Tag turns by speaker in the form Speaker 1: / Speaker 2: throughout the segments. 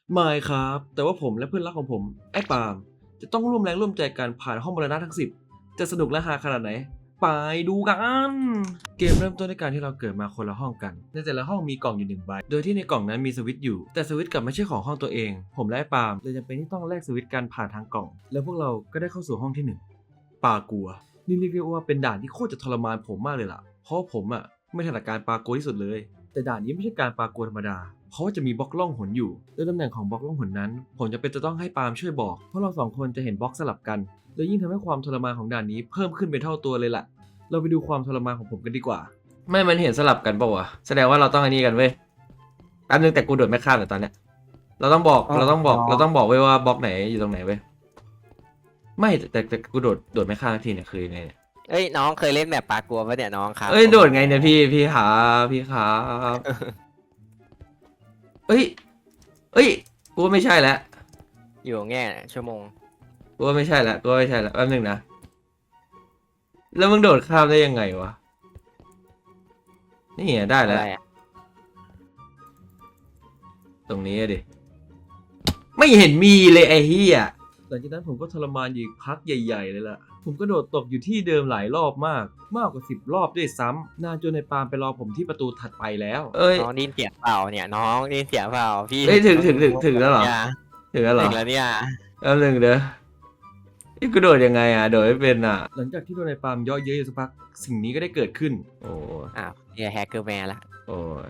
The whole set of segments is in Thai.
Speaker 1: ไม่ครับแต่ว่าผมและเพื่อนรักของผมไอ้ปาล์มจะต้องร่วมแรงร่วมใจกันผ่านห้องมรณะทั้ง10จะสนุกและฮาขนาดไหนไปดูกันเกมเริ่มต้นด้วยการที่เราเกิดมาคนละห้องกันในแต่ละห้องมีกล่องอยู่1 ใบโดยที่ในกล่องนั้นมีสวิตช์อยู่แต่สวิตช์กลับไม่ใช่ของห้องตัวเองผมและไอ้ปาล์มเลยจำเป็นที่ต้องแลกสวิตช์กันผ่านทางกล่องแล้วพวกเราก็ได้เข้าสู่ห้องที่1ปากัวนี่เรียกได้ว่าเป็นด่านที่โคตรจะทรมานผมมากเลยล่ะเพราะผมไม่ถนัดการปากัวที่สุดเลยแต่ด่านนี้ไม่ใช่การปากัวธรรมดา เพราะว่าจะมีบล็อกล่องหนอยู่โดยตำแหน่งของบล็อกล่องหนนั้นผมจะเป็นจะต้องให้ปาล์มช่วยบอกเพราะเรา2 คนจะเห็นบล็อกสลับกันและยิ่งทำให้ความทรมานของด่านนี้เพิ่มขึ้นเป็นเท่าตัวเลยล่ะเราไปดูความทรมานของผมกันดีกว่าไม่มันเห็นสลับกันปะวะแสดงว่าเราต้องอันนี้กันเว้ยแป๊บนึงแต่กูโดดไม่ข้ามเลยตอนเนี้ยเราต้องบอกเว้ยว่าบล็อกไหนอยู่ตรงไหนเว้ยไม่แต่กูโดดไม่ข้ามทีเนี่ยคือยังไงเนี่ย
Speaker 2: เอ้ยน้องเคยเล่นแบบปลากลัวปะเนี่ยน้องครับ
Speaker 1: เอ้ยโดดไงเนี่ยพี่ขาพี่ขาเอ้ยเอ้ยกูว่าไม่ใช่แล้ว
Speaker 2: อยู่แง่ชั่วโมง
Speaker 1: กูว่าไม่ใช่ละแป๊บนึงนะแล้วมึงโดดข้ามได้ยังไงวะนี่ไงได้แล้ว
Speaker 2: อะไรอ่ะ
Speaker 1: ตรงนี้ดิไม่เห็นมีเลยไอ้เหี้ยหลังจากนั้นผมก็ทรมานอยู่อีกพักใหญ่ๆเลยล่ะผมก็โดดตกอยู่ที่เดิมหลายรอบมากกว่า10 รอบด้วยซ้ำนานจนในปาล์มไปรอผมที่ประตูถัดไปแล้วเอ้ย
Speaker 2: น้องได้ยินเสียงเปล่าเนี่ยน้องได้ยินเสียงเปล่าพี่
Speaker 1: เอ้ยถึงแล้วเหรอ
Speaker 2: เนี่ย
Speaker 1: ถึงแล้วเหรอ
Speaker 2: ถึงแล้วเนี่ย
Speaker 1: แป๊บนึงเด้อนี่กูโดดยังไงโดดไม่เป็นหลังจากที่โดนในปาล์มเยอะเยอะอยู่สักพักสิ่งนี้ก็ได้เกิดขึ้นโอ้
Speaker 2: อ้าวเนี่ยแฮกเกอร์แมนละ
Speaker 1: โอ้ย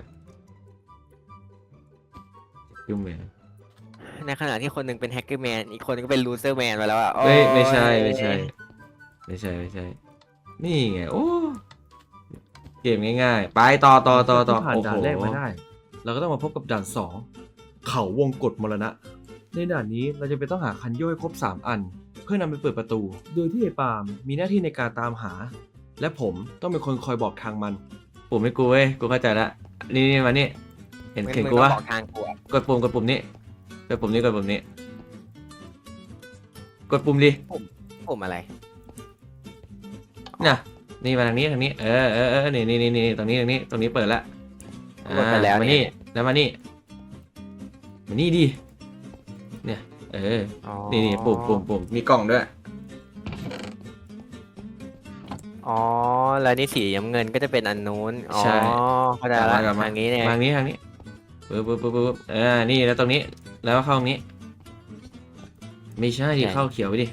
Speaker 1: ยุ่งเลย
Speaker 2: ในขณะที่คนหนึ่งเป็นแฮกเกอร์แมนอีกคนนึงก็เป็นลูเซอร์แมนไปแล้วอ่ะโอ้
Speaker 1: ไม่ใช่
Speaker 2: ย
Speaker 1: นี่ไงโอ้เกมง่ายๆไปต่อ
Speaker 3: ที่ผ่านด่านแรกมาได้
Speaker 1: เราก็ต้องมาพบกับด่าน2เขาวงกตมรณะในด่านนี้เราจะไปต้องหาคันโยกให้ครบ3 อัน เพื่อนำไปเปิดประตู โดยที่ไอ้ปาล์มมีหน้าที่ในการตามหา และผมต้องเป็นคนคอยบอกทางมันปุ่มให้กูเว้ยกูเข้าใจละนี่มานี่เห็นกู
Speaker 2: มึงต้อ
Speaker 1: วะ
Speaker 2: งบอกทางกูอะ
Speaker 1: กดปุ่มนี้กดปุ่มนี้กดปุ่มดิ
Speaker 2: ผมอะไร
Speaker 1: น่ะนี่มาทางนี้นี่ตรงนี้เปิดละ
Speaker 2: กดไปแล้ว
Speaker 1: มา
Speaker 2: เนี่
Speaker 1: นี่
Speaker 2: ย
Speaker 1: แล้วมานี่ดิเนี่ย
Speaker 2: อ๋อ
Speaker 1: นี่ปุ่มมีกล่องด้วย
Speaker 2: อ๋อแล้วนี่สีน้ำเงินก็จะเป็นอันนู้นอ๋อ
Speaker 1: ใช่
Speaker 2: เข้าใจละ
Speaker 1: กลับมา
Speaker 2: ทางนี้เนี่ย
Speaker 1: ทางนี้ปึ๊บนี่แล้วตรงนี้แล้วเข้าตรงนี้ไม่ใช่ดิเข้าเขียวไปดิ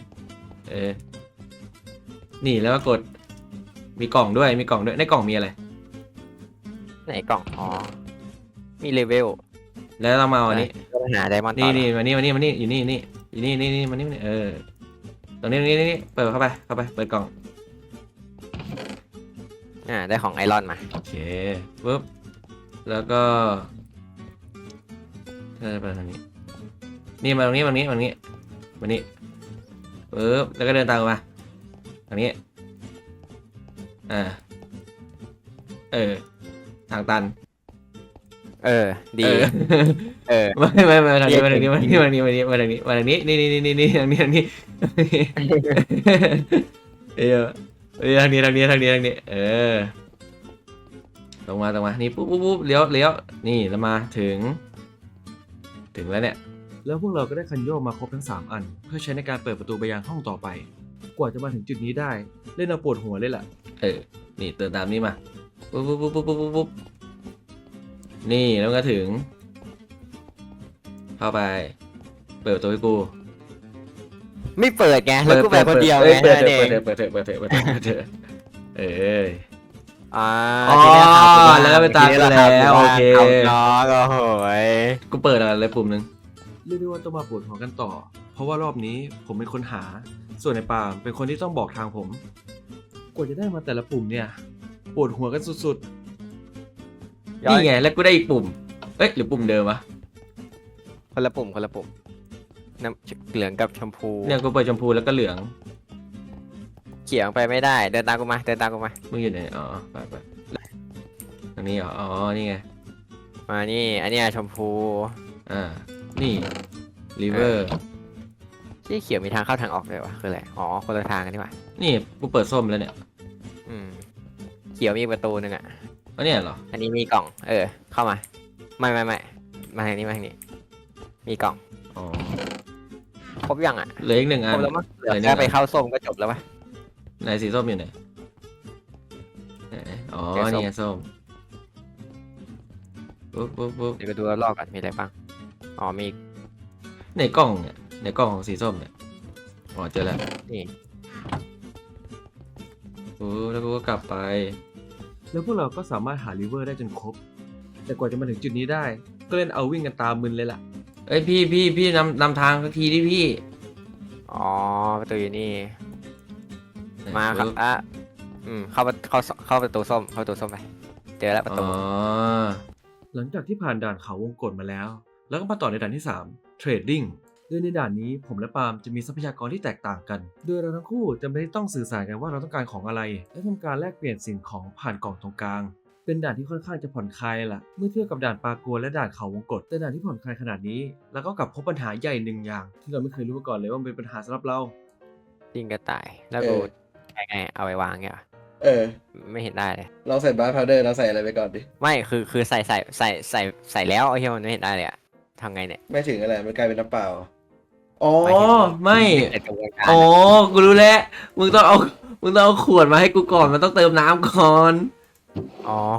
Speaker 1: นี่แล้วก็กดมีกล่องด้วยในกล่องมีอะไร
Speaker 2: ไหนกล่องอ๋อมีเลเวล
Speaker 1: แล้วเรามาเอาอันนี้
Speaker 2: ก็หาไดมอนด์ต่
Speaker 1: นี่
Speaker 2: อ
Speaker 1: มานี่อยู่นี่มานี่ตรงนี้เปิดเข้าไปเปิดกล่อง
Speaker 2: ได้ของไอรอนมา
Speaker 1: โอเคปึ๊บแล้วก็ไปทางนี้นี่มาตรงนี้ปึ๊บแล้วก็เดินตามมาทางนี้ทางตัน
Speaker 2: ดี
Speaker 1: ไม่ทางนี้มาทางนี้นี่ทางนี้ทางนี้ตรงมานี่ปุ๊บเลี้ยวนี่แล้วมาถึงแล้วเนี่ยแล้วพวกเราก็ได้คันโยกมาครบทั้ง3 อันเพื่อใช้ในการเปิดประตูไปยังห้องต่อไปกว่าจะมาถึงจุดนี้ได้เล่นเอาปวดหัวเลยล่ะนี่เติมตามนี้มาปุ๊บนี่แล้วก็ถึงเข้าไปเปิดประตูให้กู
Speaker 2: ไม่เปิดไงแล้วกูแบบคนเดียวไง
Speaker 1: เปิด
Speaker 2: เอง อ๋อ
Speaker 1: แล้วก็ไปตามกันแล้วโอเค
Speaker 2: เอาน้องโอ้โหย
Speaker 1: กูเปิดอะไรปุ่มนึงเรียกได้ว่าต้องมาปวดหัวกันต่อ เพราะว่ารอบนี้ผมเป็นคนหา ส่วนในปาล์มเป็นคนที่ต้องบอกทางผม กว่าจะได้มาแต่ละปุ่มเนี่ยปวดหัวกันสุดๆนี่ไงแล้วกูได้อีกปุ่มหรือปุ่มเดิมวะ
Speaker 2: คนละปุ่มน้ำเหลืองกับชมพู
Speaker 1: เนี่ยกูเปิดชมพูแล้วก็เหลือง
Speaker 2: เขียวไปไม่ได้เดินตามกูมา
Speaker 1: มึงอยู่ไหนอ๋อไปตรงนี้เหรออ๋อนี่ไง
Speaker 2: มานี่อันเนี้ยชมพู
Speaker 1: นี่ริเวอร์
Speaker 2: ที่เขียวมีทางเข้าทางออกเลยวะคืออะไรอ๋อคนละทางกันนี่หว่า
Speaker 1: นี่กูเปิดส้มแล้วเนี่ย
Speaker 2: เขียวมีประตูนึงอ่ะ
Speaker 1: อันนี้เหรอ
Speaker 2: อันนี้มีกล่องเข้ามาไม่มาทางนี้มีกล่อง
Speaker 1: อ๋อ
Speaker 2: ครบยังอ่ะ
Speaker 1: เหลืออีก1
Speaker 2: ค
Speaker 1: อั
Speaker 2: ร
Speaker 1: น
Speaker 2: บแล้วมั้งเหลือ
Speaker 1: หนึ่ง
Speaker 2: แค่
Speaker 1: อัน
Speaker 2: ไปเข้าส้มก็จบแล้วปะ
Speaker 1: ไหนสีส้มอยู่ไหนไหนอ๋อ
Speaker 2: เจอส้ม
Speaker 1: นี่ไงส้มปุ๊บ
Speaker 2: เดี๋ยวไปดูรอบๆกันมีอะไรบ้างอ๋อมี
Speaker 1: ในกล่องเนี่ยในกล่องของสีส้มเนี่ยอ๋อเจอแล้ว
Speaker 2: นี่
Speaker 1: แล้วกูก็กลับไป แล้วพวกเราก็สามารถหาริเวอร์ได้จนครบ แต่กว่าจะมาถึงจุดนี้ได้ ก็เล่นเอาวิ่งกันตามมึนเลยล่ะเอ้ยพี่นำทางสักทีดิพี่
Speaker 2: อ๋อประตูอยู่นี่มาครับอ่ะเข้าประตูส้มเข้าประตูส้มไปเจอแล้วประตู
Speaker 1: อ๋อหลังจากที่ผ่านด่านเขาวงกตมาแล้ว แล้วก็มาต่อในด่านที่3เทรดดิ้งโดยในด่านนี้ผมและปาล์มจะมีทรัพยากรที่แตกต่างกัน โดยเราทั้งคู่จะไม่ได้ต้องสื่อสารกันว่าเราต้องการของอะไร และทำการแลกเปลี่ยนสิ่งของผ่านกล่องตรงกลาง เป็นด่านที่ค่อนข้างจะผ่อนคลายล่ะ เมื่อเทียบกับด่านปากัวและด่านเขาวงกตแต่ด่านที่ผ่อนคลายขนาดนี้ แล้วก็กลับพบปัญหาใหญ่หนึ่งอย่าง ที่เราไม่เคยรู้มาก่อนเลยว่ามันเป็นปัญหาสำหรับเรา
Speaker 2: ยิงกระต่ายแล้วกูใช้ไงเอาไปวางเงี้ยเหรอ
Speaker 3: เออ
Speaker 2: ไม่เห็นได้เลย
Speaker 3: เราใส่บาร์พาวเดอร์เราใส่อะไรไปก่อนดิ
Speaker 2: ไม่คือใส่แล้วไอ้เหี้ยมันไม่เห็นได้เลยอะทำไงเนี่ย
Speaker 3: ไม่ถึงอะไรมันกลายเป็นน้ำเปล่า อ๋อ
Speaker 1: ไม่
Speaker 2: ไอ้กระบวนการ
Speaker 1: อ๋อ กูรู้แล้ว มึงต้องเอาขวดมาให้กูก่อน มันต้องเติมน้ำก่อน
Speaker 2: อ๋อ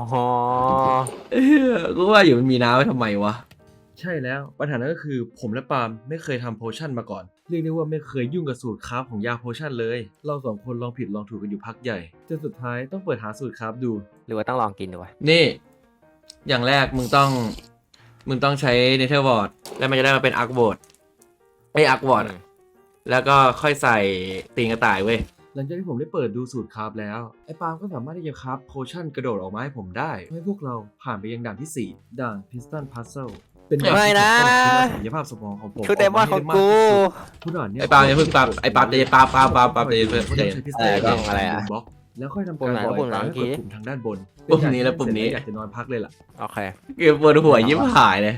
Speaker 1: กูว่าอยู่มันมีน้ำไว้ทำไมวะ ใช่แล้ว ปัญหานั้นก็คือผมและปาล์มไม่เคยทำโพชั่นมาก่อน เรียกได้ว่าไม่เคยยุ่งกับสูตรคราฟของยาโพชั่นเลย เราสองคนลองผิดลองถูกกันอยู่พักใหญ่ จนสุดท้ายต้องเปิดหาสูตรคราฟดู
Speaker 2: หรือว่าต้องลองกินดูวะ
Speaker 1: นี่ อย่างแรกมึงต้องใช้เนเธอร์วอร์ดแล้วมันจะได้มาเป็นอาร์ควอร์ดอาร์ควอร์ด แล้วก็ค่อยใส่ตีนกระต่ายเว้ย หลังจากที่ผมได้เปิดดูสูตรคราฟแล้ว ไอ้ปาล์มก็สามารถที่จะคราฟโพชั่นกระโดดออกมาให้ผมได้ให้พวกเราผ่านไปยังด่านที่ 4 ด่าน Piston Puzzle เป็นด่าน
Speaker 2: ไม่
Speaker 1: ที่
Speaker 2: นะ
Speaker 1: ต้องใช้ศักยภาพสมองของผม
Speaker 2: คือเดมอนของกู
Speaker 1: ผู้ด่านเนี่ย
Speaker 4: ไอ้ปาล์มอย่าเพิ่งปาล์มไอ้ปาล์มใจเย็นปาล์มใจเย็นเพื่อน
Speaker 1: ก็
Speaker 4: ใจ
Speaker 1: ต้อง
Speaker 4: เย็น
Speaker 1: ใช้พิส
Speaker 2: อะไร
Speaker 1: ตัน
Speaker 2: กล้องอะไรอะ
Speaker 1: บล็อกแล้วค่อยทำการ
Speaker 2: ปุ่มไหน
Speaker 1: ปล่อย
Speaker 2: ปุ่มไหน
Speaker 1: ปลาให้กดปุ่มทางด้านบน
Speaker 4: ปุ่มนี้และปุ่มนี้
Speaker 1: อยากจะนอนพักเลยล่ะ
Speaker 2: โอเค
Speaker 4: เก็บปวดหัวยิ้มหายเลย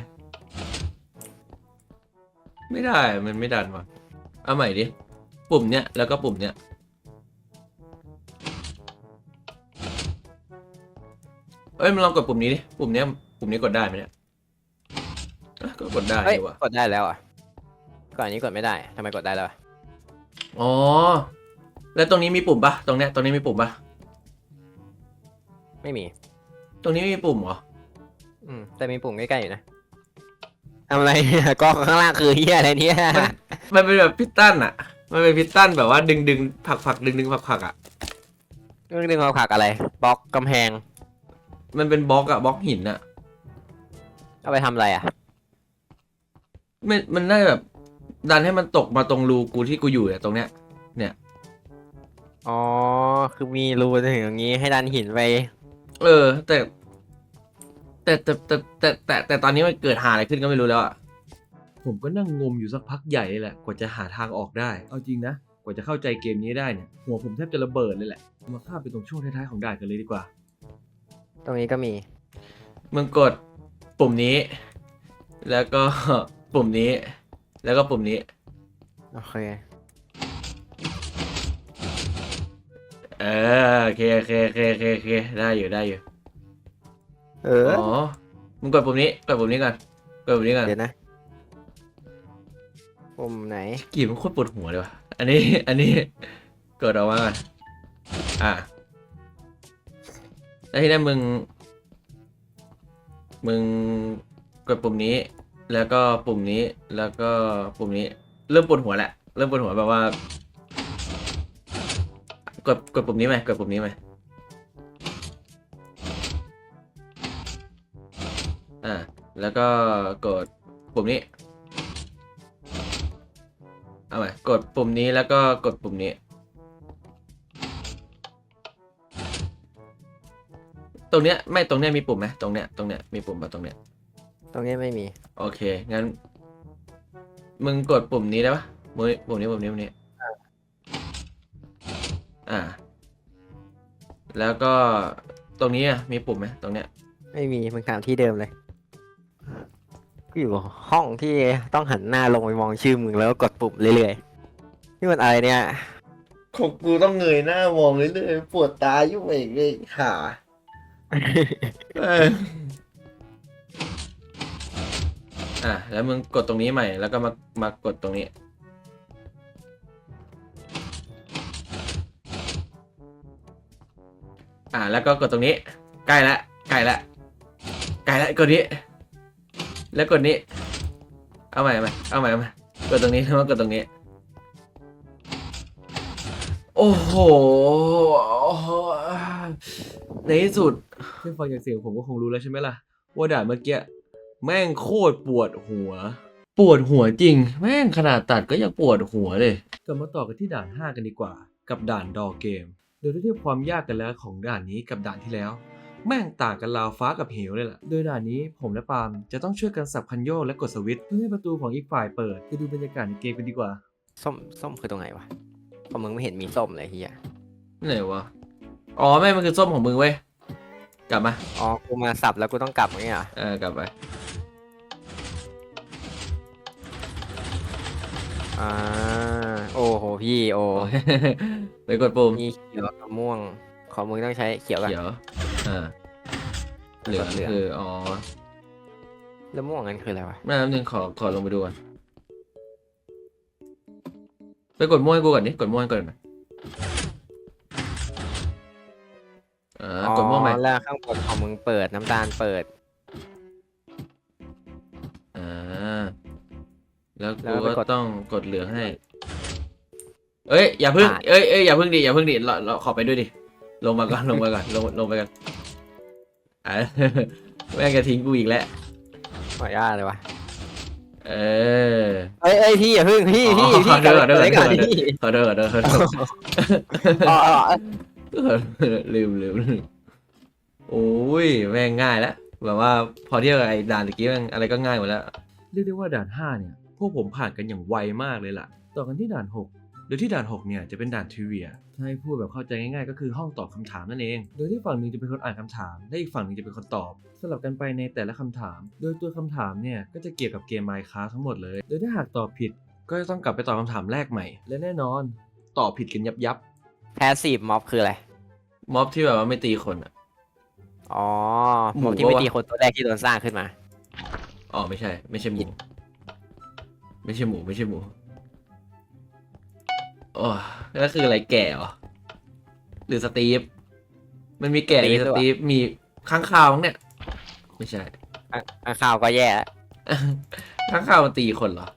Speaker 4: ไม่ได้มันไม่ดันว่ะเอาใหม่ดิปุ่มเนี้ยแล้วก็ปุ่มเนี้ยเอ้ยมันลองกดปุ่มนี้ดิปุ่มเนี้ยปุ่มนี้กดได้ไหมเนี่ยอ่ะก็กดได้
Speaker 2: เฮ้ย
Speaker 4: ดีว่ะ
Speaker 2: กดได้แล้วอ่ะก่อนนี้กดไม่ได้ทำไมกดได้แล้วอะ
Speaker 4: อ๋อแล้วตรงนี้มีปุ่มปะตรงเนี้ยตรงนี้มีปุ่มปะ
Speaker 2: ไม่มี
Speaker 4: ตรงนี้ไม่มีปุ่มเหรอ
Speaker 2: แต่มีปุ่มใกล้ๆอยู่นะทำอะไรเนี่ยกล้องข้างล่างคือเฮียอะไรเนี่ย
Speaker 4: มันเป็นแบบพิสตันอะมันเป็นพิสตันแบบว่าดึงผลักดึงผลักอะ
Speaker 2: เรื่องดึงเอาผักอะไรบล็อกกำแพง
Speaker 4: มันเป็นบล็อกอะบล็อกหินอะ
Speaker 2: เอาไปทำอะไรอ่ะ
Speaker 4: มันน่าจะแบบดันให้มันตกมาตรงรูกูที่กูอยู่เนี่ยตรงเนี้ย
Speaker 2: อ๋อคือมีรูถึงอย่างนี้ให้ดันหินไป
Speaker 4: เออ แต่ตอนนี้มันเกิดหาอะไรขึ้นก็ไม่รู้แล้วอะ
Speaker 1: ผมก็นั่งงมอยู่สักพักใหญ่เลยแหละ กว่าจะหาทางออกได้ เอาจริงนะ กว่าจะเข้าใจเกมนี้ได้เนี่ย หัวผมแทบจะระเบิดเลยแหละ มาข้ามไปตรงช่วงท้ายๆของด่านกันเลยดีกว่า
Speaker 2: ตรงนี้ก็มี
Speaker 4: มึงกดปุ่มนี้ แล้วก็ ปุ่มนี้ แล้วก็ปุ่มนี้
Speaker 2: โอเค
Speaker 4: โอเคได้อยู่
Speaker 2: เออ
Speaker 4: อ๋อ มึงกดปุ่มนี้ก่อน กดปุ่มนี้ก่อน
Speaker 2: เดี๋ยวนะปุ่มไหน
Speaker 4: กี่มันโคตรปวดหัวเลยว่ะ อันนี้กดออกมาก่อนแล้วทีนี้มึงกดปุ่มนี้ แล้วก็ปุ่มนี้ แล้วก็ปุ่มนี้ เริ่มปวดหัวแหละ เริ่มปวดหัวแบบว่า กดปุ่มนี้ไหมกดปุ่มนี้ไหมแล้วก็กดปุ่มนี้ เอาใหม่กดปุ่มนี้แล้วก็กดปุ่มนี้ ตรงเนี้ยไม่ตรงเนี้ยมีปุ่มไหมตรงเนี้ยมีปุ่มป่ะตรงเนี้ย
Speaker 2: ตรงนี้ไม่มี
Speaker 4: โอเคงั้นมึงกดปุ่มนี้ได้ปะปุ่มนี้แล้วก็ตรงนี้อ่ะมีปุ่มไหมตรงเนี้ย
Speaker 2: ไม่มีมึงถามที่เดิมเลยกูอยู่ห้องที่ต้องหันหน้าลงไปมองชื่อมึงแล้วก็กดปุ่มเรื่อยๆนี่มันอะไรเนี่ย
Speaker 3: ของกูต้องเงยหน้ามองเรื่อยๆปวดตายุ่งเองเลยหา
Speaker 4: เออแล้วมึงกดตรงนี้ใหม่แล้วก็มากดตรงนี้แล้วก็กดตรงนี้ใกล้ละกดนี้แล้วกดนี้เอาใหม่กดตรงนี้แล้วกดตรงนี้โอ้โหในที่สุดเพิ่งฟังจากเสียงผมก็คงรู้แล้วใช่ไหมล่ะว่าด่านเมื่อกี้แม่งโคตรปวดหัวจริงแม่งขนาดตัดก็ยังปวดหัวเลยกลับมาต่อกันที่ด่าน 5 กันดีกว่ากับด่านดอเกมโดยเทียบความยากกันแล้วของด่านนี้กับด่านที่แล้วแม่งต่างกันราวฟ้ากับเหวเลยล่ะโดยด่านนี้ผมและปาล์มจะต้องช่วยกันสับคันโยกและกดสวิตช์เพื่อให้ประตูของอีกฝ่ายเปิดไปดูบรรยากาศในเกมกันดีกว่า
Speaker 2: ส้มคือตรงไหนวะของมึงไม่เห็นมีส้มเลยเฮีย
Speaker 4: ไหนวะอ๋อไม่มันคือส้มของมึงเว้ยกลับมา
Speaker 2: อ๋อกูมาสับแล้วกูต้องกลับไงอ่ะ
Speaker 4: กลับไป
Speaker 2: โอ้โหพี่โอ้
Speaker 4: ไปกดปุ่ม
Speaker 2: มีเขียวกับม่วงของมึงต้องใช้เขียวกัน
Speaker 4: เขียวเหลืองคืออ๋อ
Speaker 2: แล้วม่วงนั้นคืออะไรวะ
Speaker 4: แป๊บนึงขอลงไปดูก่อนไปกดม่วงให้กูก่อนดิกดม่วงให้ก่อนไหมกดม่วงไหม
Speaker 2: แล้วข้างบนของมึงเปิดน้ำตาลเปิด
Speaker 4: แล้ว
Speaker 2: แล้
Speaker 4: กู
Speaker 2: วไป
Speaker 4: ก็
Speaker 2: กด
Speaker 4: ต้องกดเหลืองให้เอ้ยอย่าพึ่งอย่าพึ่งดิเราขอไปด้วยดิลงมาก่อนลงไปก่อนแม่งจะทิ้งกูอีกแล้ว
Speaker 2: ขออนุญาตเลยวะ
Speaker 4: เออ
Speaker 2: เอ้ยพี่อย่าพึ่งพี่
Speaker 4: ขอโทษ
Speaker 2: กลับไปก่อนพี่
Speaker 4: ขอโทษ
Speaker 2: อ๋อ
Speaker 4: ลืมโอ้ยแม่งง่ายแล้วแบบว่าพอเทียบกับไอ้ด่านตะกี้แม่งอะไรก็ง่ายหมดแล้วเรียกได้ว่าด่าน 5 เนี่ยพวกผมผ่านกันอย่างไวมากเลยล่ะต่อกันที่ด่าน 6 โดยที่ด่าน 6 เนี่ยจะเป็นด่านทริเวียถ้าให้พูดแบบเข้าใจง่ายๆก็คือห้องตอบคำถามนั่นเองโดยที่ฝั่งหนึ่งจะเป็นคนอ่านคำถามและอีกฝั่งหนึ่งจะเป็นคนตอบสลับกันไปในแต่ละคำถาม โดยตัวคำถามเนี่ยก็จะเกี่ยวกับเกม Minecraft ทั้งหมดเลยโดยถ้าหากตอบผิดก็จะต้องกลับไปตอบคำถามแรกใหม่และแน่นอนตอบผิดกันยับ
Speaker 2: แพสซีฟม็อบคืออะไร
Speaker 4: ม็อบที่แบบว่าไม่ตีคนอ่ะ
Speaker 2: อ๋อ
Speaker 4: หมู
Speaker 2: ม็อบที่ไม่
Speaker 4: ปะวะ
Speaker 2: ตีคนตัวแรกที่โดนสร้างขึ้นมา
Speaker 4: อ๋อไม่ใช่หมูไม่ใช่หมูโอ้แล้วคืออะไรแก่เหรอหรือสตีฟมันมีแก่มีสตีฟมีค้างคาวมั้งเนี่ยไม่ใช่
Speaker 2: ข่าวก็แย่แล้ว
Speaker 4: ค้างคาวมันตีคนเหรอ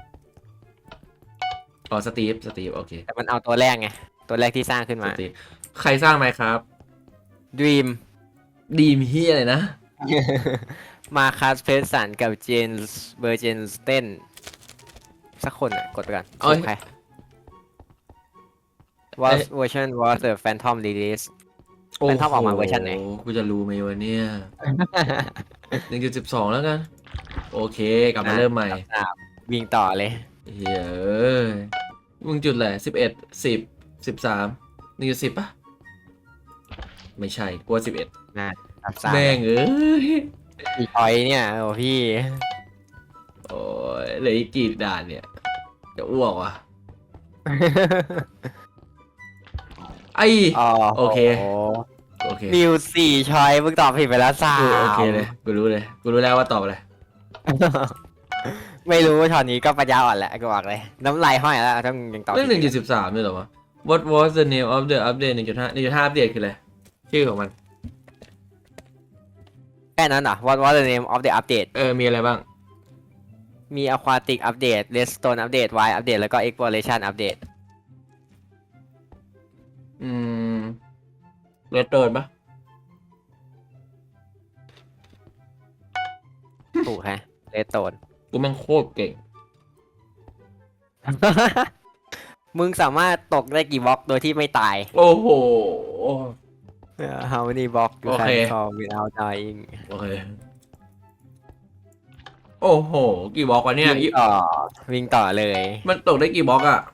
Speaker 4: อ๋อสตีฟโอเค
Speaker 2: แต่มันเอาตัวแรกไง ตัวแรกที่สร้างขึ้น
Speaker 4: ส
Speaker 2: มา
Speaker 4: ตีฟใครสร้างไหมครับ
Speaker 2: Dream
Speaker 4: ดีมเฮียอะไรนะ
Speaker 2: มาคัสเพสสันกับเจนส์เบอร์เจนสเตนสักคนอ่ะ กดไปก่อน
Speaker 4: เอ้ย
Speaker 2: ใคร was version was the Phantom release เป็นท็อปออกมาเวอร์ชันไหน
Speaker 4: กูจะรู้ไหมวะเนี่ย 1.12 แล้วกัน โอเค กลับมาเริ่มใหม่
Speaker 2: วิ่งต่อเลย
Speaker 4: เฮ้ยเอ้ยมึงจุดแหละ11 10 13 1.10ป่ะ ไม่ใช่กลัว11
Speaker 2: รับทราบ
Speaker 4: แม่งเอ้ย
Speaker 2: อีพอยเนี่ย โอ้พี่
Speaker 4: โอ้ยเหลืออีกกี่ด่านเนี่ย จะอ้วกว่ะ ไอ โอเค โอเค
Speaker 2: มิวสี่ชอยมึงตอบผิดไปแล้วสา
Speaker 4: โอเคเลย กูรู้แล้วว่าตอบอะไร
Speaker 2: ไม่รู้ว่าช็อตนี้ก็ปัญญาอ่อนแหละกูบอกเลย น้ำลายห้อยแล้วต้องยังตอบ
Speaker 4: เรื่อง
Speaker 2: ผิด
Speaker 4: 1.13ด้วยเหรอวะ What was the name of the update 1.5 1.5 อัปเดตคืออะไรชื่อของมัน
Speaker 2: แค่นั้นเหรอ What was the name of the update
Speaker 4: มีอะไรบ้าง
Speaker 2: มี Aquatic Update Redstone Update Wild Update แล้วก็ Exploration Update
Speaker 4: เรดเติร์นปะ
Speaker 2: ถูกฮะ Redstone
Speaker 4: กูแม่งโคตรเก่ง
Speaker 2: มึงสามารถตกได้กี่บล็อกโดยที่ไม่ตาย
Speaker 4: โอ้โห
Speaker 2: How many blocks you
Speaker 4: โอเค
Speaker 2: can fall without dying
Speaker 4: โอเค โอ้โห กี่บล็อกวะเนี่ย
Speaker 2: วิ่งต่อเลย
Speaker 4: มันตกได้กี่บล็อกอะ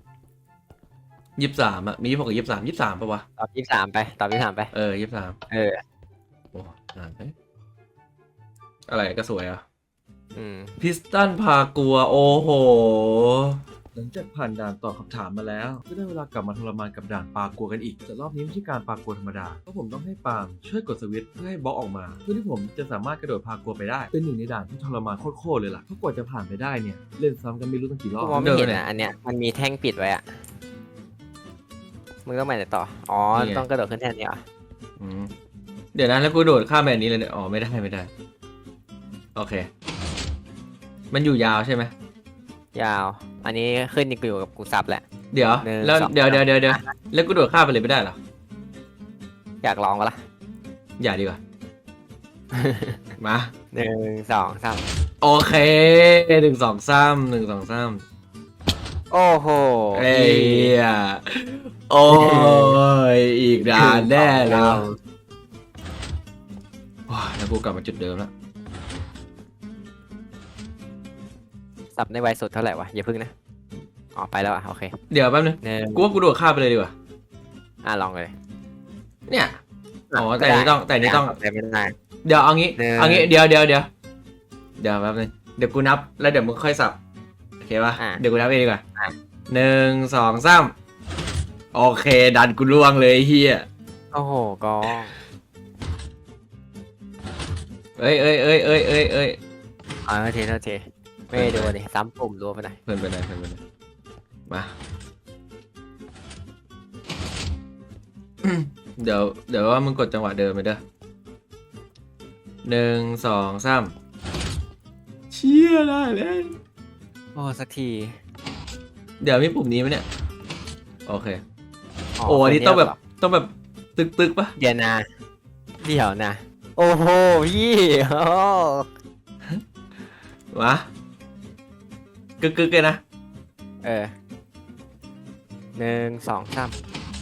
Speaker 4: 23อะมี26กับ23ปะวะ
Speaker 2: ตอบ23ไปตอบ23ไป
Speaker 4: 23
Speaker 2: เออ
Speaker 4: โอ้อ่านไปอะไรก็สวยอ่ะ
Speaker 2: อืม
Speaker 4: พิสตันพากัว โอ้โห
Speaker 1: ลังจากผ่านด่านตอบคำถามมาแล้วก็ได้เวลากลับมาทรมานกับด่านปลากัวกันอีกแต่รอบนี้ไม่ใช่การปลากัวธรรมดาเพราะผมต้องให้ปาล์มช่วยกดสวิตช์เพื่อให้บล็อกออกมาเพื่อที่ผมจะสามารถกระโดดพากัวไปได้เป็นหนึ่งในด่านที่ทรมานโคตรเลยล่ะเพราะกว่าจะผ่านไปได้เนี่ยเล่นซ้ำกันไม่รู้ตั้งกี่รอ
Speaker 2: กู
Speaker 1: บ
Speaker 2: มองไม่เห็นอ่ะอันเนี้ยมันมีแท่งปิดไว้อ่ะมึงต้องไปไหนต่ออ๋อต้องกระโดดขึ้นแท่นนี้เหรอ
Speaker 4: อืมเดี๋ยวนะแล้วกูโดดข้ามแบบนี้เลยเนี่ยอ๋อไม่ได้โอเค มันอยู่ยาวใช่ไหม
Speaker 2: ยาว อันนี้ขึ้นอยู่กับกูซับแหละ
Speaker 4: เดี๋ยว
Speaker 2: หนึ่ง
Speaker 4: แล้ว
Speaker 2: สอง
Speaker 4: เดี๋ยวแล้วกูโดดข้ามไปเลยไม่ได้เหรอ
Speaker 2: อยากลองปะล่ะ
Speaker 4: อย่าดีกว่า มา
Speaker 2: 1 2 3
Speaker 4: โอเค1 2 3
Speaker 2: โอ้โห
Speaker 4: เอ้ยโอ้ยอีกด่านแน่เลยว้าแล้วกูกลับมาจุดเดิมแล้ว
Speaker 2: ซับในไวสุดเท่าไหร่วะอย่าพึ่งนะอ๋อไปแล้วอ่ะโอเค
Speaker 4: เดี๋ยวแป๊บนึง
Speaker 2: หนึ่ง
Speaker 4: กูว่ากูโดดข้ามไปเลยดีกว่า
Speaker 2: ลองเลย
Speaker 4: เนี่ยอ๋อแต่อันนี้ต้อง
Speaker 2: แต่ไม่ได้
Speaker 4: เดี๋ยวเอางี้
Speaker 2: หนึ่ง
Speaker 4: เอางี้เดี๋ยวแป๊บนึงเดี๋ยวกูนับแล้วเดี๋ยวมึงค่อยสับโอเคป่ะเดี๋ยวกูนับเองดีกว่า1 2 3โอเคดันกูล่วงเลยไอ้เฮีย
Speaker 2: โอ้โหกอง
Speaker 4: เอ้ย
Speaker 2: โทษทีไม่ได้ดูดิซ้ำปุ่มรัวไปหน่อย
Speaker 4: เพื่อนไปไหนมาเดี๋ยวว่ามึงกดจังหวะเดิมไปเด้อ1 2 3เชี่ยได้เลย
Speaker 2: โอ้สักที
Speaker 4: เดี๋ยวมีปุ่มนี้ไหมเนี่ยโอเคโอ้อันนี้ต้องแบบตึกปะ
Speaker 2: เดี๋ยวนะโอ้โหพี่โอ้
Speaker 4: วะกึกเลยนะ
Speaker 2: 1 2 3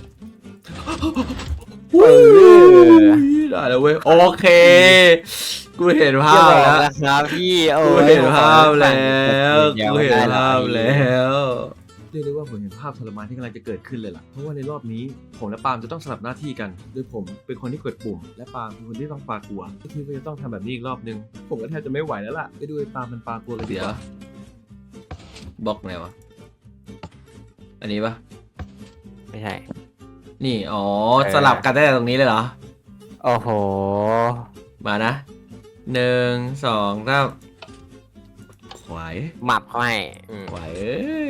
Speaker 4: เออได้แล้วเว้ยโอเคกูเห็นภาพแล้ว
Speaker 2: ครับพี่โอ้
Speaker 4: กูเห็นภาพแล้วกูเห็นภาพแล้ว
Speaker 1: เรียกได้ว่าผมเห็นภาพทรมานที่กำลังจะเกิดขึ้นเลยล่ะเพราะว่าในรอบนี้ผมและปาล์มจะต้องสลับหน้าที่กันโดยผมเป็นคนที่กดปุ่มและปาล์มเป็นคนที่ต้องปากัวก็คือว่าจะต้องทำแบบนี้อีกรอบนึงผมก็แทบจะไม่ไหวแล้วล่ะไปดูไอ้ปาล์มมันปากัวกันดี
Speaker 4: เดี๋
Speaker 1: ก
Speaker 4: ยว
Speaker 1: ว่า
Speaker 4: บล็อกไหนวะอันนี้ปะ
Speaker 2: ไม่ใช่
Speaker 4: นี่อ๋อสลับกันได้แต่ตรงนี้เลยเหรอ
Speaker 2: โอ้โห
Speaker 4: มานะ1 2 3ขวาย
Speaker 2: หมับเขาให้
Speaker 4: ขวายเอ้ย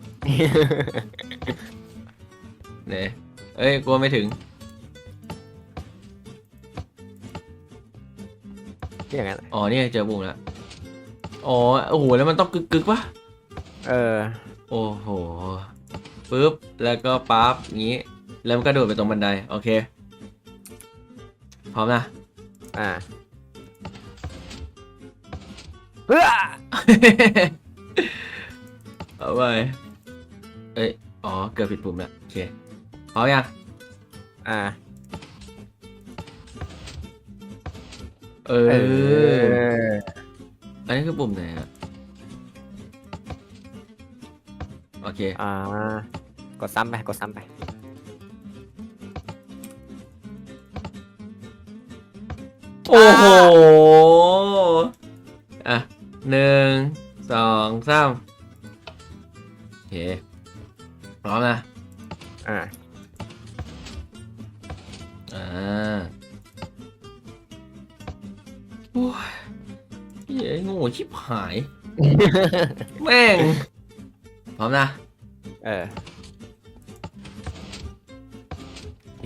Speaker 4: เนี่ยเอ้ยกลัวไม่ถึง
Speaker 2: อย่างนั้น
Speaker 4: อ๋อนี่เจอปุ่มแล้วอ๋อโอ้โหแล้วมันต้องกึกปะ โอ้โหปึ๊บแล้วก็ปั๊บงี้แล้วมันก็โดดไปตรงบันไดโอเคพร้อมนะ
Speaker 2: เฮ้อ
Speaker 4: เอาไปเอ้ยอ๋อเกือบผิดปุ่มแล้วโอเคพร้อมยัง เอออันนี้คือปุ่มไหนอะโอเค
Speaker 2: กดซ้ำไป
Speaker 4: โอ้โหอ่ะ1 2 3โอเคพร้อมนะอ่าโอ้ยเหี้ยโง่ชิบหาย แม่ง พร้อมนะ โอเค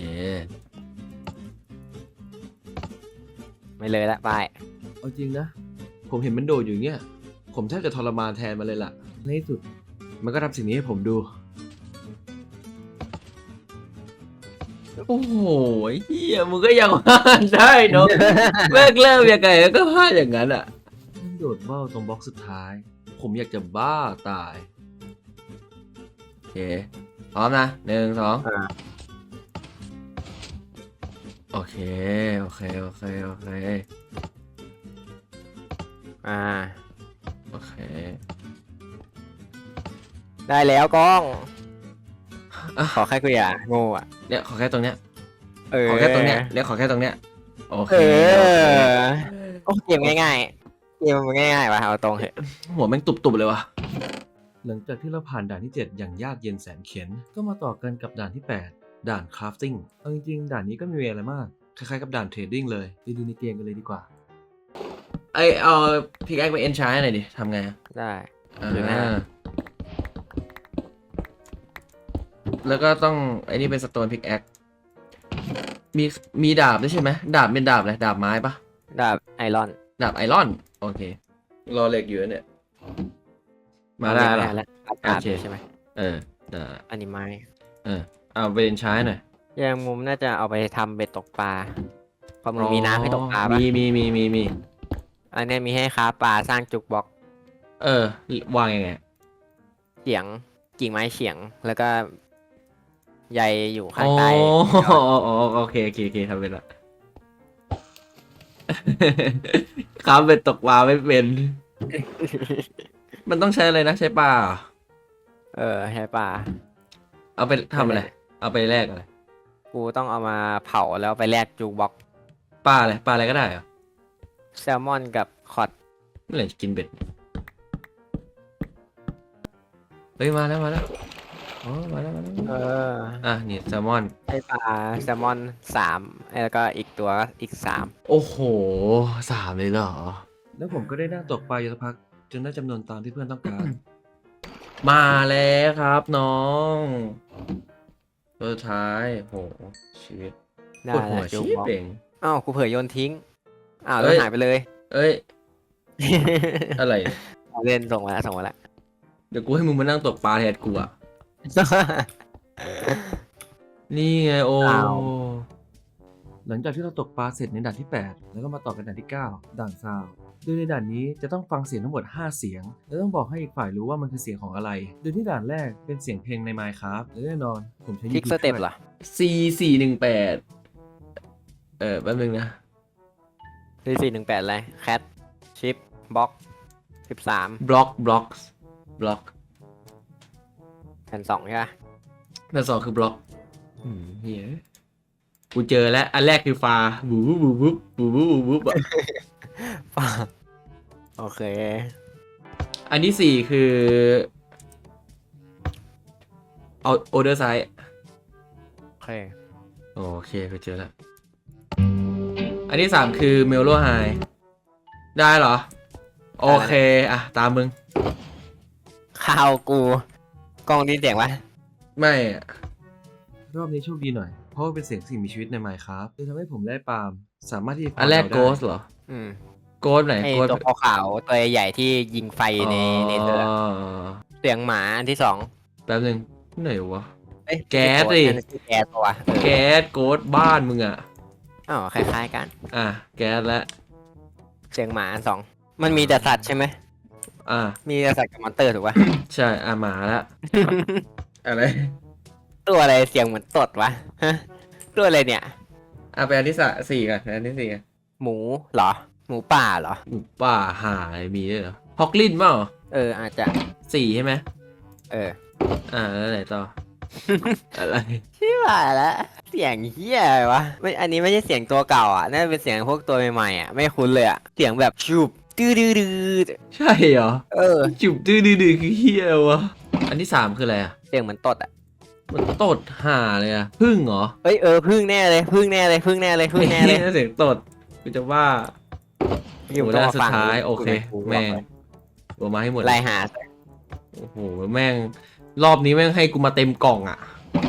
Speaker 2: ไม่เลยละไป
Speaker 1: เอาจริงนะผมเห็นมันโดดอยู่อย่างเงี้ยผมแทบจะทรมานแทนมันเลยล่ะในที่สุดมันก็ทำสิ่งนี้ให้ผมดู
Speaker 4: โอ้โหเฮียมึงก็ยังพลาดได้เนาะ แม่งเริ่มยังไงก็พลาดอย่างนั้นอ่ะ
Speaker 1: มันโดดเบ้าตรงบล็อกสุดท้าย ผมอยากจะบ้าตาย
Speaker 4: โอเค พร้อมนะ1 2โอเค โอเค โอเค โอเค โอเค
Speaker 2: ได้แล้วกล้อง
Speaker 4: อ่ะ
Speaker 2: ขอแค่กูอย่าโง่อะ
Speaker 4: เนี่ยขอแค่ตรงเนี้ย ขอแค่ตรงเนี้ยเนี่ยขอแค่ตรงเนี้ย โอเค
Speaker 2: โอ้เกมง่ายๆเกมมันง่ายๆว่ะเอาตรงเถอะ
Speaker 4: หัวแม่งตุบๆเลยว่ะ
Speaker 1: หลังจากที่เราผ่านด่านที่ 7 อย่างยากเย็นแสนเข็ญก็มาต่อกันกับด่านที่ 8 ด่าน crafting เอาจริงๆด่านนี้ก็ไม่มีอะไรมากคล้ายๆกับด่านเทรดดิ้งเลยไปดูในเกมกันเลยดีกว่า
Speaker 4: เอาพิกแอคไปเอนชาร์หน่อยดิทำไงอะ
Speaker 2: ได้
Speaker 4: อ่า
Speaker 2: ดูหน้า
Speaker 4: แล้วก็ต้องไอ้นี่เป็นสโตนพิกแอคมีดาบด้วยใช่ไหมดาบเป็นดาบอะไรดาบไม้ปะ
Speaker 2: ดาบไอรอน
Speaker 4: ดาบไอรอนโอเครอเหล็กอยู่เนี่ยมาได้เหรอ
Speaker 2: แล้วดาบ
Speaker 4: โอเค
Speaker 2: ใช่ไหม
Speaker 4: เออได้
Speaker 2: อันนี้ไม้
Speaker 4: เอาไปเอนชาร์หน่อย
Speaker 2: แยงมุมน่าจะเอาไปทำเบ็ดตกปลาเพราะมึงมีน้ำให้ตกปลาปะ
Speaker 4: มี
Speaker 2: อันเนี้ยมีให้ค้าปลาสร้างจุกบล็อก
Speaker 4: วางยังไง
Speaker 2: เฉียงกิ่งไม้เฉียงแล้วก็ใยอยู่ข้า
Speaker 4: อ๋
Speaker 2: ง
Speaker 4: อ
Speaker 2: ใต้
Speaker 4: โอเคทำเป็นละ ครับเป็นตกปลาไม่เป็น มันต้องใช้อะไรนะใช้ปลาเหรอ
Speaker 2: ใช้ปลา
Speaker 4: เอาไปทำอะไร เอาไปแลกอะไร
Speaker 2: กูต้องเอามาเผาแล้วไปแลกจุกบล็อก
Speaker 4: ปลาอะไรก็ได้เหรอ
Speaker 2: แซลมอนกับคอด
Speaker 4: เมื่อไหร่จะกินเบ็ดเฮ้ยมาแล้วอ๋อมาแล้ว นี่แซลมอน
Speaker 2: ใช้ปลาแซลมอน3แล้วก็อีกตัวอีก3
Speaker 4: โอ้โห3เลยเหรอ
Speaker 1: แล้วผมก็ได้นั่งตกปลาอยู่สักพักจนได้จำนวนตามที่เพื่อนต้องการ
Speaker 4: มาแล้วครับน้องตัวสุดท้ายโหชีวิต
Speaker 2: ได้
Speaker 4: ปวดหั
Speaker 2: แล้ว วจุก
Speaker 4: ชี
Speaker 2: บล็อก
Speaker 4: เป่ง
Speaker 2: อ้าวกูเผยโยนทิ้งอ้าว
Speaker 4: เอ้
Speaker 2: แล้ว
Speaker 4: ย
Speaker 2: หายไปเลย
Speaker 4: เอ้ย อะไรเนี่ย
Speaker 2: เล่นส่งมาแล้ว
Speaker 4: เดี๋ยวกูให้มึงมานั่งตกปลาแทนกูอ่ะ นี่ไงโอ้
Speaker 2: อ้าว
Speaker 1: หลังจากที่เราตกปลาเสร็จในด่านที่ 8 แล้วก็มาต่อกันด่านที่ 9 ด่านซาวด์โดยในด่านนี้จะต้องฟังเสียงทั้งหมด 5 เสียง และต้องบอกให้อีกฝ่ายรู้ว่ามันคือเสียงของอะไร โดยที่ด่านแรกเป็นเสียงเพลงใน Minecraft และแน่นอนผมใช้
Speaker 2: คลิก
Speaker 1: YouTube
Speaker 2: สเต็ป
Speaker 1: ช่วย
Speaker 2: เหรอ
Speaker 4: C418 แป๊บนึงนะ
Speaker 2: 418อะไรแคทชิปบล็อก13
Speaker 4: บล็อก
Speaker 2: แผ่น2ใช่ปะ
Speaker 4: อันสองคือบล็อกเฮียกูเจอแล้ว อันแรกคือฟาบูบูอะ
Speaker 2: ฟ้าโอเค
Speaker 4: อันที่สี่คือเอาโอเดอร์ไซด์
Speaker 2: โอเค
Speaker 4: โอเคกูเจอแล้ว อันที่สามคือเมลโลไฮได้เหรอ โอเค อ่ะ ตามมึง
Speaker 2: ข่าวกูกล้องนี้เสียงวะ
Speaker 4: ไม่อะ
Speaker 1: รอบนี้โชคดีหน่อย เพราะว่าเป็นเสียงสิ่งมีชีวิตใน Minecraft เลยทำให้ผมได้ปาล์มสามารถที่จะ
Speaker 4: อันแรก
Speaker 1: ฟัง
Speaker 4: โก
Speaker 1: เรา
Speaker 4: ส
Speaker 1: ได้
Speaker 4: เหรอ
Speaker 2: อืม
Speaker 4: โกสไหน
Speaker 2: ไอ
Speaker 4: โกส
Speaker 2: ตัวขาวๆตัวใหญ่ที่ยิงไฟในเธอเสียงหมาอันที่2
Speaker 4: แป๊บนึงไหนวะ
Speaker 2: เอ้ย
Speaker 4: แก๊สดิ
Speaker 2: นั่นคือแก๊สตัวเออ
Speaker 4: แก๊สโกสบ้านมึงอ่ะ
Speaker 2: อ้าวคล้ายๆกัน
Speaker 4: อ่ะ แก๊สแล้ว
Speaker 2: เสียงหมาอัน2มันมีแต่สัตว์ใช่ไหม
Speaker 4: อ่ะ
Speaker 2: มีแต่สัตว์กับมอนเตอร์ถูกปะ
Speaker 4: ใช่ อ่ะหมาแล้ว อะไร
Speaker 2: ตัวอะไรเสียงเหมือนตดวะฮะตัวอะไรเนี่ย
Speaker 4: อ่ะไปอันที่สี่กันอันที่สี่กัน
Speaker 2: หมูเหรอ หมูป่าเหรอ
Speaker 4: หมูป่าห่าอะไรมีด้วยเหรอฮอกลินเปล่า
Speaker 2: อาจจะ
Speaker 4: สี่ใช่ไหม
Speaker 2: เออ
Speaker 4: แล้วไหนต่อ อะไร
Speaker 2: ที่ว่าแล้วเสียงเฮียอะไรวะไม่อันนี้ไม่ใช่เสียงตัวเก่าอ่ะน่าจะเป็นเสียงพวกตัวใหม่ๆอ่ะไม่คุ้นเลยอ่ะเสียงแบบชูบดื้อดื้อดื้อ
Speaker 4: ใช่เหรอ จุบดื้อคือเฮียวะ อันที่สามคืออะไรอ่ะ
Speaker 2: เสียงเหมือนตดอ่ะ
Speaker 4: มันตดห่าเลยอ่ะ พึ่งเหรอ
Speaker 2: เอ้ยพึ่งแน่เลยพึ่งแน่เลยพึ่งแน่เลยพึ่งแน่เลย
Speaker 4: เสียงตดกูจะว่า
Speaker 2: อยู่
Speaker 4: โอ้
Speaker 2: ต้
Speaker 4: ด้า
Speaker 2: อง
Speaker 4: นสุดท้ายโอเค แม่ง
Speaker 2: ง
Speaker 4: โอมาให้หมด
Speaker 2: ไล่หา
Speaker 4: โอ้โหแม่ง รอบนี้แม่งให้กูมาเต็มกล่องอ่ะ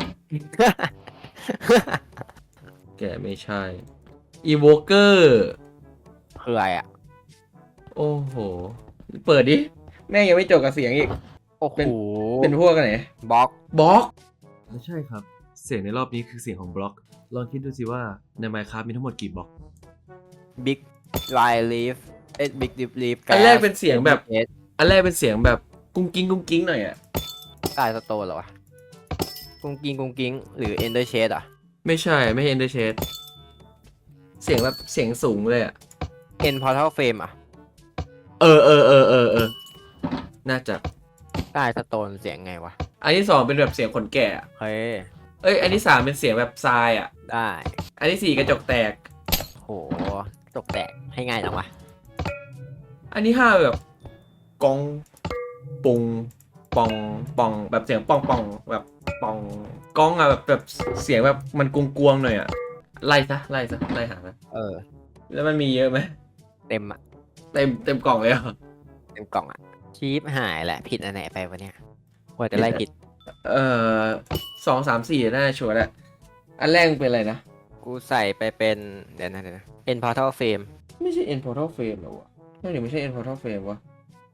Speaker 4: แกไม่ใช่อีโวเกอร์
Speaker 2: คืออะไรอ่ะ
Speaker 4: โอ้โห เปิดดิ แม่งยังไม่จบกับเสียงอีก
Speaker 2: โอ้โห
Speaker 4: เป็นพวกไหน
Speaker 2: บล็อก
Speaker 1: และใช่ครับ เสียงในรอบนี้คือเสียงของบล็อก ลองคิดดูสิว่าใน Minecraft มีทั้งหมดกี่บล็อก
Speaker 2: บิ๊กไลลีฟบิ๊กดิฟลีฟ
Speaker 4: อันแรกเป็นเสียงแบบ อันแรกเป็นเสียงแบบกุ้งกิ้งหน่อยอ่ะ
Speaker 2: ตายสโตนเหรอวะกุ้งกิ้งหรือเอนเดอร์เชดอ่ะ
Speaker 4: ไม่ใช่ไม่ใช่เอนเดอร์เชดเสียงแบบเสียงสูงเลยอ่ะ
Speaker 2: เอ็นพอร์ทัลเฟมอ่ะ
Speaker 4: เออ น่าจะ
Speaker 2: ตายสโตนเสียงไงวะ
Speaker 4: อันที่สองเป็นแบบเสียงคนแก่อะ
Speaker 2: เฮ้ย
Speaker 4: เอ้ย อันที่สามเป็นเสียงแบบทรายอ่ะ
Speaker 2: ได้
Speaker 4: อันที่สี่กระจกแตก
Speaker 2: โหตกแตกให้ง่ายจังวะ
Speaker 4: อันที่ห้าแบบกองปุงปองปองแบบเสียงปองปองแบบปองกล้องอะแบบเสียงแบบมันกวงๆหน่อยอะไล่ซะไล่หานะ
Speaker 2: เออ
Speaker 4: แล้วมันมีเยอะไหม
Speaker 2: เต็มอ่ะ
Speaker 4: เต็มกล่องเลยเหรอ
Speaker 2: เต็มกล่องอ่ะชีพหายแหละผิดอันไหนไปวะเนี่ยกว่าจะไล่ผิด
Speaker 4: 2 3 4น่าจะชัวร์แหละอันแรกเป็นอะไรนะ
Speaker 2: กูใส่ไปเป็นเดี๋ยวนะ End Portal Frame
Speaker 4: ไม่ใช่ End Portal Frame หรอวะไม่ใช่ End Portal Frame วะ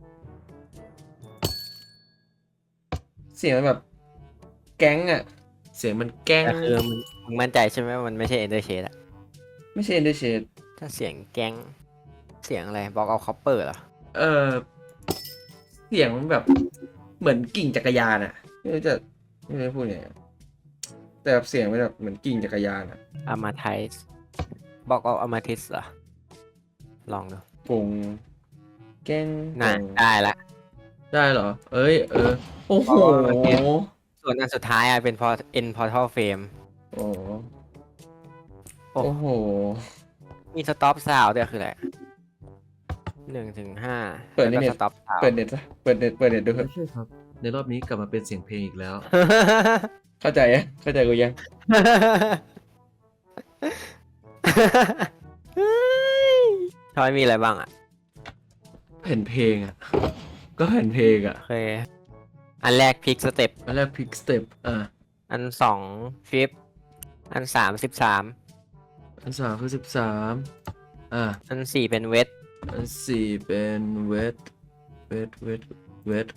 Speaker 4: เสียงมันแบบแก๊งอะเสียงมันแก๊ง
Speaker 2: แต่คือมึงมั่นใจใช่ไหมว่ามันไม่ใช่ Ender Shade อะ
Speaker 4: ไม่ใช่ Ender Shade
Speaker 2: ถ้าเสียงแก๊งเสียงอะไรบอกเอาคอปเปอร์เหรอ
Speaker 4: เออเสียงมันแบบเหมือนกิ่งจักรยานอะไม่รู้จะพูดไงแต่แบบเสียงมันแบบเหมือนกิ่งจักรยานอะ
Speaker 2: Amathyst บอกเอา Amathyst เหรอลองดู
Speaker 4: กงแก๊ง
Speaker 2: น่ะ
Speaker 4: กง
Speaker 2: ได้ละ
Speaker 4: ได้เหรอ เอ้ยโอ้โห
Speaker 2: ส่วนอันสุดท้ายอะเป็น End Portal Frame
Speaker 4: โอ้โห
Speaker 2: โอ้
Speaker 4: โอ้โห
Speaker 2: มี Stop Sound ด้วยคืออะไร1 ถึง 5
Speaker 4: เปิด
Speaker 2: แล้ว
Speaker 4: เน็
Speaker 2: ก็
Speaker 4: ต
Speaker 2: Stop Sound
Speaker 4: เปิดเน็ตซะเปิดเน็ตดูเถ
Speaker 1: ไม่
Speaker 4: อะ
Speaker 1: ใช่ครับ ในรอบนี้กลับมาเป็นเสียงเพลงอีกแล้ว
Speaker 4: เข้าใจยังเข้าใจกูยัง
Speaker 2: ทอยมีอะไรบ้างอ่ะ
Speaker 4: แผ่นเพลงอ่ะ ก็แผ่นเพลงอ่ะ
Speaker 2: โอเค อันแรกพิกสเต็ป
Speaker 4: อันแรกพิกสเต็ป
Speaker 2: อันสองฟิปอันสาม13
Speaker 4: อัน3คือ13
Speaker 2: อันสี่เป็นเวท
Speaker 4: อัน4เป็นเวท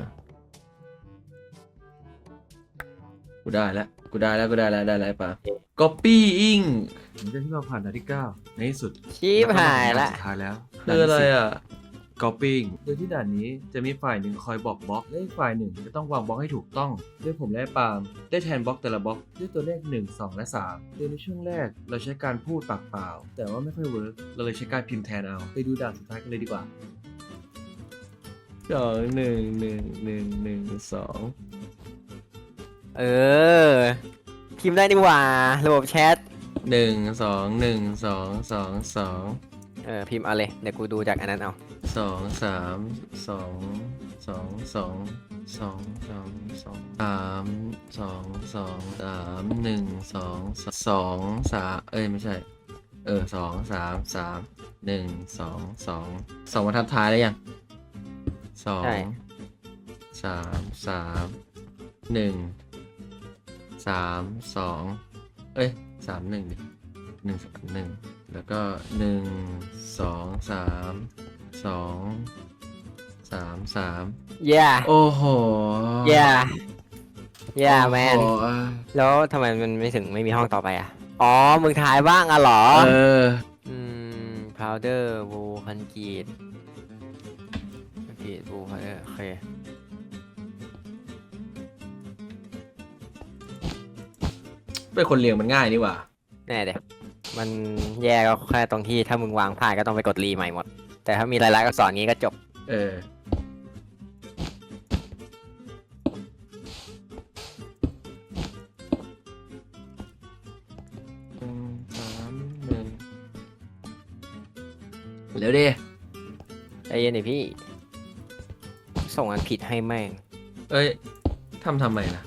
Speaker 4: กูได้แล้วได้แล้วป่ะ copying
Speaker 1: หลังจากที่เราผ่านด่านที่ 9 ในที่สุด
Speaker 2: ชีพหายละ
Speaker 1: ด่นสุดท้ายแล้ว
Speaker 4: คืออะไรอ่ะ
Speaker 1: copying โดยที่ด่านนี้จะมีฝ่ายหนึ่งคอยบอกบล็อกและอีกฝ่ายหนึ่งจะต้องวางบล็อกให้ถูกต้องด้วยผมและปาล์มได้แทนบล็อกแต่ละบล็อกด้วยตัวเลข 1 2 และ 3 โดยในช่วงแรกเราใช้การพูดปากเปล่า แต่ว่าไม่ค่อยเวิร์กเราเลยใช้การพิมพ์แทนเอาไปดูด่านสุดท้ายกันเลยดีกว่า
Speaker 4: 2
Speaker 2: เออ พิมพ์ได้ดีกว่า ระบบแชท
Speaker 4: 1 2 1 2 2 2
Speaker 2: พิมพ์เอาเลย เดี๋ยวกูดูจากอันนั้นเอา
Speaker 4: 2 3 2 2 2 2 2 2 3 2 2 3 1 2 2 3ไม่ใช่2 3 3 1 2 2บรรทัดท้ายแล้วยัง
Speaker 2: ใช่
Speaker 4: 2 3 3 1 3 2 3 1ดิ1 3 1แล้วก็1 2 3 2 3 3
Speaker 2: yeah
Speaker 4: โอ้โห
Speaker 2: yeah yeah แมน
Speaker 4: โอ้โห
Speaker 2: แล้วทำไมมันไม่มีห้องต่อไปอ่ะ อ๋อ มึงถ่ายบ้างอ่ะเหรอ powder wool คอนกรีตwool powder โอเค
Speaker 4: เป็นคนเรียงมันง่ายนี่หว่า
Speaker 2: แน่เดี๋ยวมันแย่ก็แค่ตรงที่ถ้ามึงวางพลาดก็ต้องไปกดรีใหม่หมด แต่ถ้ามีรายลักษณ์อักษรงี้ก็จบ
Speaker 4: เร็วดิ
Speaker 2: ใจเย็นดิพี่ ส่งอันผิดให้แม่ง
Speaker 4: ทำไมล่ะ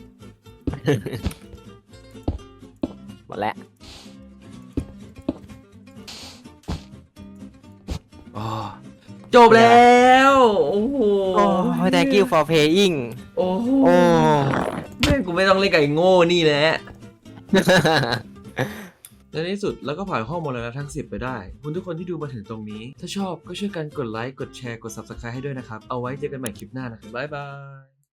Speaker 2: หมดแล้ว
Speaker 4: จบแล้ว โอ้โห
Speaker 2: โอ้ thank you for playing
Speaker 4: โอ้โห
Speaker 2: โอ้
Speaker 4: แม่งกูไม่ต้องเล่นกับไอ้โง่นี่แหละ
Speaker 1: และในที่สุดเราก็ผ่านข้อมูลแล้วทั้ง 10 ไปได้ คุณทุกคนที่ดูมาถึงตรงนี้ ถ้าชอบก็ช่วยกันกดไลค์ กดแชร์ กด Subscribe ให้ด้วยนะครับ เอาไว้เจอกันใหม่คลิปหน้านะครับ บ๊ายบาย